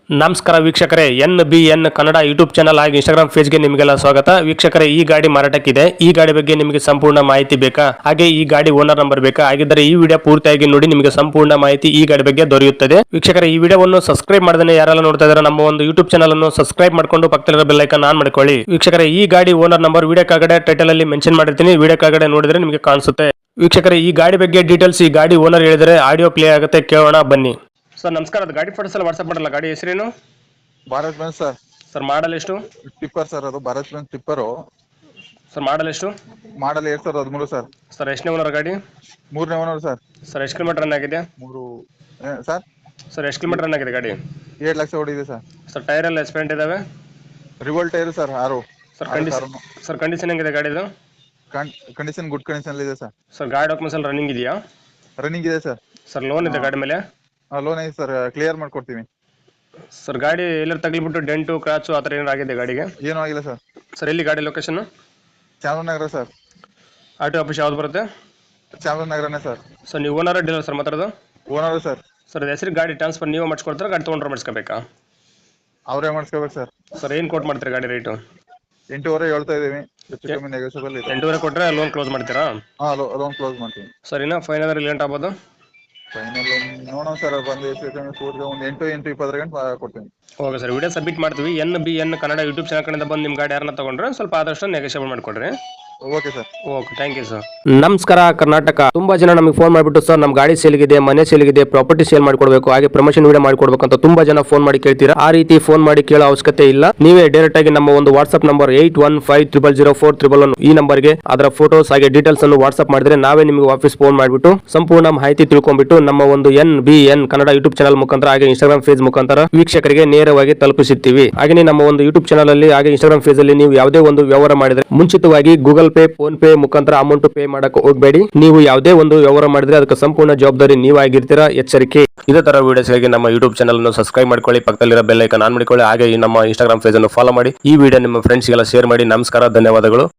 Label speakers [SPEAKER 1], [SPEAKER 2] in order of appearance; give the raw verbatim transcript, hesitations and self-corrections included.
[SPEAKER 1] ನಮಸ್ಕಾರ ವೀಕ್ಷಕರೇ, N B N Kannada YouTube channel ಹಾಗೂ ಇನ್ಸ್ಟಾಗ್ರಾಮ್ ಪೇಜ್ಗೆ ನಿಮಗೆಲ್ಲ ಸ್ವಾಗತ. ವೀಕ್ಷಕರೇ, ಈ ಗಾಡಿ ಮಾರಾಟಕ್ಕಿದೆ. ಈ ಗಾಡಿ ಬಗ್ಗೆ ನಿಮಗೆ ಸಂಪೂರ್ಣ ಮಾಹಿತಿ ಬೇಕಾ? ಹಾಗೆ ಈ ಗಾಡಿ ಓನರ್ ನಂಬರ್ ಬೇಕಾ? ಹಾಗಿದ್ದರೆ ಈ ವಿಡಿಯೋ ಪೂರ್ತಿಯಾಗಿ ನೋಡಿ, ನಿಮಗೆ ಸಂಪೂರ್ಣ ಮಾಹಿತಿ ಈ ಗಾಡಿ ಬಗ್ಗೆ ದೊರೆಯುತ್ತದೆ. ವೀಕ್ಷಕರೇ, ಈ ವಿಡಿಯೋವನ್ನು ಸಬ್ಸ್ಕ್ರೈಬ್ ಮಾಡದೇ ಯಾರೆಲ್ಲ ನೋಡ್ತಾ ಇದ್ದಾರೆ ನಮ್ಮ ಒಂದು ಯೂಟ್ಯೂಬ್ ಚಾನಲ್ ಅನ್ನು ಸಬ್ಸ್ಕ್ರೈಬ್ ಮಾಡ್ಕೊಂಡು ಪಕ್ಕದಲ್ಲಿರೋ ಬೆಲ್ ಐಕಾನ್ ಆನ್ ಮಾಡ್ಕೊಳ್ಳಿ. ವೀಕ್ಷಕರೇ, ಈ ಗಾಡಿ ಓನರ್ ನಂಬರ್ ವಿಡಿಯೋ ಕೆಳಗಡೆ ಟೈಟಲ್ ಅಲ್ಲಿ ಮೆನ್ಷನ್ ಮಾಡಿರ್ತೀನಿ, ವಿಡಿಯೋ ಕೆಳಗಡೆ ನೋಡಿದ್ರೆ ನಿಮಗೆ ಕಾಣಿಸುತ್ತೆ. ವೀಕ್ಷಕರೇ, ಈ ಗಾಡಿ ಬಗ್ಗೆ ಡೀಟೇಲ್ಸ್ ಈ ಗಾಡಿ ಓನರ್ ಹೇಳಿದರೆ ಆಡಿಯೋ ಪ್ಲೇ ಆಗುತ್ತೆ, ಕೇಳೋಣ ಬನ್ನಿ. ಸರ್ ನಮಸ್ಕಾರ, ಅದು ಗಾಡಿ ಫೋಟೋಸ್ ಎಲ್ಲ ವಾಟ್ಸ್ಆಪ್ ಮಾಡಲ್ಲ. ಗಾಡಿ ಹೆಸರೇನು?
[SPEAKER 2] Bharat Benz sir.
[SPEAKER 1] Sir model ಎಷ್ಟು?
[SPEAKER 2] ಟಿಪ್ಪರ್ ಸರ್, ಅದು Bharat Benz tipper.
[SPEAKER 1] Sir model ಎಷ್ಟು?
[SPEAKER 2] ಮಾಡಲ್ ಎರಡ್ ಸಾವಿರದ ಹದಿಮೂರು ಸರ್.
[SPEAKER 1] ಸರ್ ಎಷ್ಟನೇ ಓನರ್ ಗಾಡಿ?
[SPEAKER 2] ಮೂರನೇ ಓನರ್ ಸರ್.
[SPEAKER 1] ಸರ್ ಎಷ್ಟು ಕಿಲೋಮೀಟರ್ ರನ್ ಆಗಿದೆ?
[SPEAKER 2] ಮೂರು ಏ, ಸರ್
[SPEAKER 1] ಸರ್ ಎಷ್ಟು ಕಿಲೋಮೀಟರ್ ರನ್ ಆಗಿದೆ ಗಾಡಿ?
[SPEAKER 2] ಏಳು ಲಕ್ಷ ಓಡಿದೆ ಸರ್.
[SPEAKER 1] ಸರ್ ಟೈರ್ ಎಲ್ಲ ಎಸ್ಪೆಂಟ್ ಇದಾವೆ?
[SPEAKER 2] ರಿವೋಲ್ಟ್ ಟೈರ್ ಸರ್, ಆರು.
[SPEAKER 1] ಸರ್ ಕಂಡೀಷನ್ ಸರ್ ಕಂಡೀಷನ್ ಹೆಂಗಿದೆ ಗಾಡಿದು?
[SPEAKER 2] ಕಂಡೀಷನ್ ಗುಡ್ ಕಂಡೀಷನ್ ಇದೆ ಸರ್.
[SPEAKER 1] ಸರ್ ಗಾಡಿ ಡಾಕ್ಯುಮೆಂಟ್ಸ್ ಎಲ್ಲ ರನ್ನಿಂಗ್ ಇದೆಯಾ?
[SPEAKER 2] ರನ್ನಿಂಗ್ ಇದೆ ಸರ್.
[SPEAKER 1] ಸರ್ ಲೋನ್ ಇದೆ ಗಾಡಿ ಮೇಲೆ?
[SPEAKER 2] ಲೋನ್ ಇದೆ ಸರ್, ಕ್ಲಿಯರ್ ಮಾಡ್ಕೊಡ್ತೀವಿ.
[SPEAKER 1] ಸರ್ ಗಾಡಿ ಎಲ್ಲರೂ ತಗ್ಲಿಬಿಟ್ಟು ಡೆಂಟು ಕ್ರಾಚು ಆ ಥರ ಏನಾರು ಆಗಿದೆ ಗಾಡಿಗೆ?
[SPEAKER 2] ಏನೂ ಆಗಿಲ್ಲ ಸರ್.
[SPEAKER 1] ಸರ್ ಎಲ್ಲಿ ಗಾಡಿ location?
[SPEAKER 2] Chamarajanagar sir.
[SPEAKER 1] R T office ಯಾವ್ದು ಬರುತ್ತೆ?
[SPEAKER 2] ಚಾಮರಾಜನಗರನೇ ಸರ್.
[SPEAKER 1] ಸರ್ ನೀವು ಓನರ್ ಡೀಲರ್ ಸರ್ ಮಾತಾಡೋದು?
[SPEAKER 2] Owner sir.
[SPEAKER 1] ಸರ್ ಹೆಸರು ಗಾಡಿ ಟ್ರಾನ್ಸ್ಫರ್ ನೀವು ಮಾಡಿಸ್ಕೊಡ್ತಾರೆ, ಗಾಡಿ ತೊಗೊಂಡ್ರೆ ಮಾಡಿಸ್ಕೋಬೇಕಾ?
[SPEAKER 2] ಅವರೇ ಮಾಡಿಸ್ಕೋಬೇಕು ಸರ್.
[SPEAKER 1] ಸರ್ ಏನು ಕೋಟ್ ಮಾಡ್ತೀರಾ ಗಾಡಿ ರೇಟು?
[SPEAKER 2] ಎಂಟೂವರೆ ಹೇಳ್ತಾ ಇದೀವಿ, ಹೆಚ್ಚು ಕಮ್ಮಿ ನೆಗೋಷಿಯಬಲ್ ಇದೆ.
[SPEAKER 1] ಎಂಟೂವರೆ ಕೊಟ್ಟರೆ ಲೋನ್ ಕ್ಲೋಸ್ ಮಾಡ್ತೀರಾ?
[SPEAKER 2] ಹಾಂ, ಲೋನ್ ಕ್ಲೋಸ್ ಮಾಡ್ತೀವಿ.
[SPEAKER 1] ಸರ್ ಇನ್ನು ಫೈನಲ್ ಲೇಟ್ ಆಗ್ಬೋದು?
[SPEAKER 2] ಫೈನಲ್ ನೋಡೋಣ ಸರ್, ಬಂದು ಹೆಚ್ಚು ಕಮ್ಮಿ ಕೂಡಿಗೆ ಒಂದು ಎಂಟು ಎಂಟು ಇಪ್ಪತ್ತರ ಗಂಟೆ ಕೊಡ್ತೀನಿ.
[SPEAKER 1] ಓಕೆ ಸರ್, ವಿಡಿಯೋ ಸಬ್ಮಿಟ್ ಮಾಡ್ತೀವಿ. N B N Kannada YouTube channel ಕಡೆಯಿಂದ ಬಂದು ನಿಮ್ಮ ಗಾಡಿ ಯಾರನ್ನ ತಗೊಂಡ್ರೆ ಸ್ವಲ್ಪ ಆದಷ್ಟು ನೆಗೋಷಿಯೇಬಲ್ ಮಾಡಿಕೊಡ್ರಿ.
[SPEAKER 2] Okay sir.
[SPEAKER 1] Okay, thank you sir. ನಮಸ್ಕಾರ ಕರ್ನಾಟಕ. ತುಂಬಾ ಜನ ನಮಗೆ ಫೋನ್ ಮಾಡಿಬಿಟ್ಟು ಸರ್ ನಮ್ಮ ಗಾಡಿ ಸೇಲ್ಗಿದೆ, ಮನೆ ಸೇಲ್ಗಿದೆ, ಪ್ರಾಪರ್ಟಿ ಸೇಲ್ ಮಾಡ್ಕೊಡ್ಬೇಕು, ಹಾಗೆ ಪ್ರಮೋಷನ್ ವಿಡಿಯೋ ಮಾಡ್ಕೊಡ್ಬೇಕು ಅಂತ ತುಂಬಾ ಜನ ಫೋನ್ ಮಾಡಿ ಕೇಳ್ತೀರಾ. ಆ ರೀತಿ ಫೋನ್ ಮಾಡಿ ಕೇಳೋ ಅವಶ್ಯಕತೆ ಇಲ್ಲ. ನೀವೇ ಡೈರೆಕ್ಟ್ ಆಗಿ ನಮ್ಮ ಒಂದು WhatsApp number eight one five triple zero four triple one ಈ ನಂಬರ್ಗೆ ಅದರ ಫೋಟೋಸ್ ಹಾಗೆ ಡೀಟೇಲ್ಸ್ ಅನ್ನು ವಾಟ್ಸ್ಆಪ್ ಮಾಡಿದ್ರೆ ನಾವೇ ನಿಮಗೆ ವಾಪಸ್ ಫೋನ್ ಮಾಡಿಬಿಟ್ಟು ಸಂಪೂರ್ಣ ಮಾಹಿತಿ ತಿಳ್ಕೊಂಡ್ಬಿಟ್ಟು ನಮ್ಮ ಒಂದು N B N Kannada YouTube channel ಮುಖಾಂತರ ಹಾಗೆ ಇನ್ಸ್ಟಾಗ್ರಾಮ್ ಪೇಜ್ ಮುಖಾಂತರ ವೀಕ್ಷಕರಿಗೆ ನೇರವಾಗಿ ತಲುಪಿಸುತ್ತೀವಿ. ಹಾಗೆ ನಮ್ಮ ಒಂದು ಯೂಟ್ಯೂಬ್ ಚಾನಲ್ ಅಲ್ಲಿ ಹಾಗೆ ಇನ್ಸ್ಟಾಗ್ರಾಮ್ ಪೇಜ್ ಅಲ್ಲಿ ನೀವು ಯಾವುದೇ ಒಂದು ವ್ಯವಹಾರ ಮಾಡಿದ್ರೆ ಮುಂಚಿತವಾಗಿ ಗೂಗಲ್ ಪೇ, ಫೋನ್ ಪೇ ಮುಖಾಂತರ ಅಮೌಂಟ್ ಪೇ ಮಾಡಕ್ಕೆ ಹೋಗಬೇಡಿ. ನೀವು ಯಾವುದೇ ಒಂದು ವ್ಯವಹಾರ ಮಾಡಿದ್ರೆ ಅದಕ್ಕೆ ಸಂಪೂರ್ಣ ಜವಾಬ್ದಾರಿ ನೀವಾಗಿರ್ತೀರಾ, ಎಚ್ಚರಿಕೆ. ಇದೇ ತರ ವಿಡಿಯೋಸ್ಗಾಗಿ ನಮ್ಮ ಯೂಟ್ಯೂಬ್ ಚಾನಲ್ ಅನ್ನು ಸಬ್ಸ್ಕ್ರೈಬ್ ಮಾಡ್ಕೊಳ್ಳಿ, ಪಕ್ಕದಲ್ಲಿರೋ ಬೆಲ್ ಐಕಾನ್ ಆನ್ ಮಾಡಿಕೊಳ್ಳಿ, ಹಾಗೆ ನಮ್ಮ ಇನ್ಸ್ಟಾಗ್ರಾಮ್ ಪೇಜ್ ಅನ್ನು ಫಾಲೋ ಮಾಡಿ. ಈ ವಿಡಿಯೋ ನಿಮ್ಮ ಫ್ರೆಂಡ್ಸ್ಗೆಲ್ಲ ಶೇರ್ ಮಾಡಿ. ನಮಸ್ಕಾರ, ಧನ್ಯವಾದಗಳು.